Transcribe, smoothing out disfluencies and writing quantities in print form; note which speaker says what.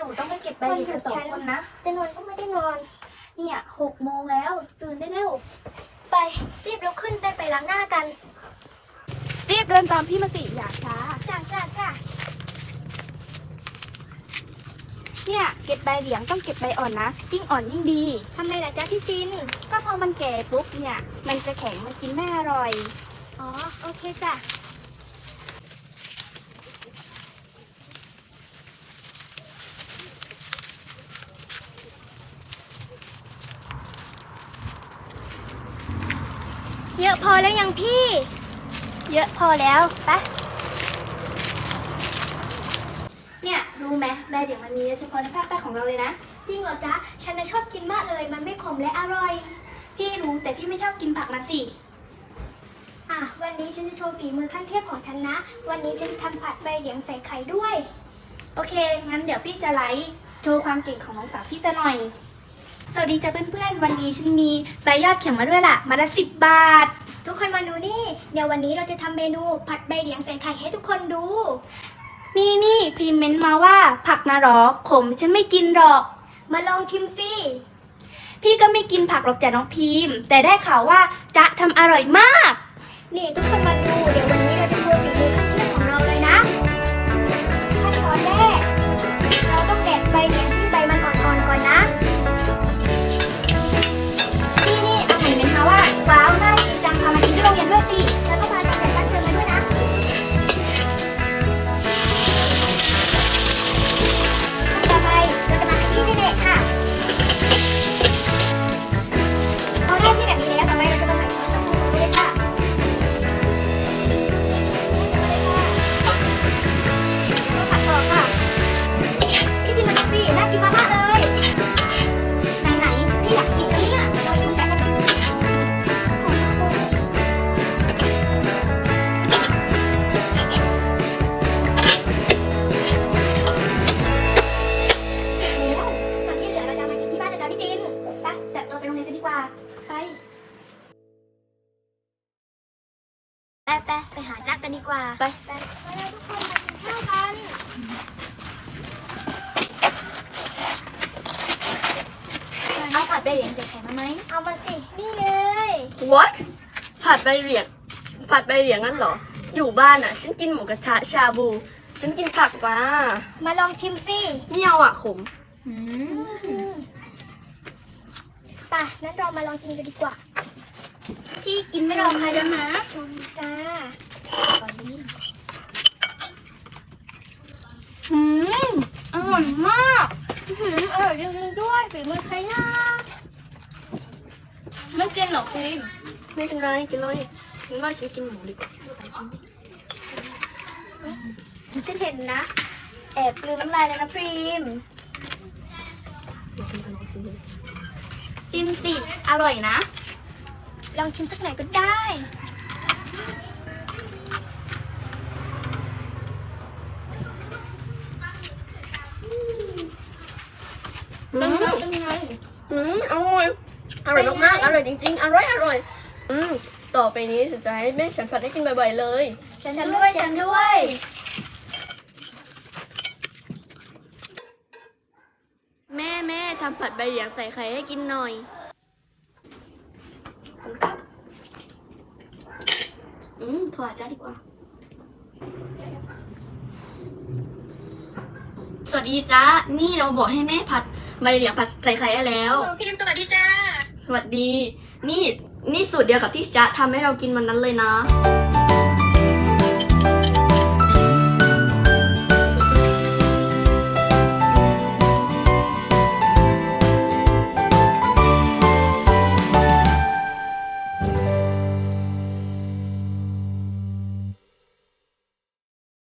Speaker 1: ต้องไปเก็บใบเหลียงกัน2 คนนะ
Speaker 2: จะนอนก็ไม่ได้นอน
Speaker 1: เนี่ย6 โมงแล้วตื่นได้เร็ว
Speaker 2: ไปรีบลุกขึ้นได้ไปล้างหน้ากัน
Speaker 1: รีบเดินตามพี่มาสิอย่าช้า
Speaker 2: จ้า
Speaker 1: เนี่ยเก็บใบเหลียงต้องเก็บใบอ่อนนะยิ่งอ่อนยิ่งดี
Speaker 2: ทำไมล่ะจ๊ะพี่จิน
Speaker 1: ก็พอมันแก่ปุ๊บเนี่ยมันจะแข็งมันกินไม่อร่อย
Speaker 2: อ๋อโอเคจ้ะเยอะพอแล้วยังพี่
Speaker 1: เยอะพอแล้วปะเนี่ยรู้ไหมใบเหลียงมันมีเฉพาะในภาคใต้ของเราเลยนะ
Speaker 2: จริงเหรอจ๊ะฉันน่ะชอบกินมากเลยมันไม่ขมและอร่อย
Speaker 1: พี่รู้แต่พี่ไม่ชอบกินผักนะสิ
Speaker 2: วันนี้ฉันจะโชว์ฝีมือขั้นเทพของฉันนะวันนี้ฉันจะทำผัดใบเหลียงใส่ไข่ด้วย
Speaker 1: โอเคงั้นเดี๋ยวพี่จะไลฟ์โชว์ความเก่งของน้องสาวพี่จะหน่อยสวัสดีจ้ะเพื่อนๆวันนี้ฉันมีใบยอดเข็มมาด้วยล่ะมาละ10 บาท
Speaker 2: ทุกคนมาดูนี่เดี๋ยววันนี้เราจะทำเมนูผัดใบเหลียงใส่ไข่ให้ทุกคนดู
Speaker 1: นี่พิมพ์เมนต์มาว่าผักนะหรอขมฉันไม่กินหรอก
Speaker 2: มาลองชิมสิ
Speaker 1: พี่ก็ไม่กินผักหรอกจ้ะน้องพิมพ์แต่ได้ข่าวว่าจ๊ะทำอร่อยมาก
Speaker 2: นี่ทุกคนมาดูเดี๋ยววันนี้เราจะโชว์ฝีมือขั้นเทพของเราเลยนะขั้นตอนแรกเราต้องแกะใบเหลียงที่ใบมันอ่อนๆก่อนนะ
Speaker 1: นี่เอาเห็นไหมคะว่าว้าวน่ากินจังพามากินที่โรงเรียนด้วยสิ
Speaker 2: แล้วก็พากันแต่ตั้งใจมาด้วยนะต่อไปเราจะมาขยี้ให้เด็กค่ะพอได้ที่แบบนี้แล้วต่อไปเราจะมาใส่ซอสตะปูเลยค่ะผัดต่อค่ะพี่จิมมาดูสิน่ากินมากๆเลย
Speaker 1: ไหนพี่อยากกินนะเนี่ย
Speaker 2: เราชิมกันแล้วส่วนที่เหลือเราจะมากินที่บ้านนะจ๊ะพี่จิน
Speaker 1: ไปแต่เราไปโรงเรียนกันดีกว่า
Speaker 2: ไปหาจ๊ะกันดีกว่า
Speaker 1: ไป
Speaker 2: แล้วทุกคนมากินข้าวกัน
Speaker 1: เอาผัดใบเหลียงใส่ไข่มาไหม
Speaker 2: เอามาสินี่เลย
Speaker 3: What ผัดใบเหลียงงั้นเหรออยู่บ้านอ่ะฉันกินหมูกระทะชาบูฉันกินผักจ้า
Speaker 2: มาลองชิมสิ
Speaker 3: ไม่เอาอ่ะขม
Speaker 2: ป่ะงั้นเรามาลองกินกันดีกว่า
Speaker 1: พี่กินไม่รอใครแล้วนะ
Speaker 2: ชมจ้า
Speaker 1: อร่อยมากอร่อยจริงๆด้วยฝีมือใครนะไม่เจนหรอกพิม
Speaker 3: ไม่เป็นไรกินเลยฉันว่าฉันกินหมูดีกว่า
Speaker 2: ฉันเห็นนะแอบกลืนน้ำลายเลยนะพรีม
Speaker 1: ชิมสิอร่อยนะ
Speaker 2: ลองชิมสักหน่อยก็ได้
Speaker 1: เป็นยังไง
Speaker 3: อร่อยมากๆอร่อยจริงๆอร่อยต่อไปนี้จะให้แม่ฉันผัดให้กินบ่อยๆเลย
Speaker 2: ฉันด้วย
Speaker 3: แม่ทำผัดใบเหลียงใส่ไข่ให้กินหน่อยโทรหาจ้าดีกว่าสวัสดีจ้านี่เราบอกให้แม่ผัดใบเหลียงผัดใส่ไข่ให้แล้ว
Speaker 2: พิมสวัสดีจ้า
Speaker 3: สวัสดีนี่สูตรเดียวกับที่จ๊ะทำให้เรากินวันนั้นเลยนะ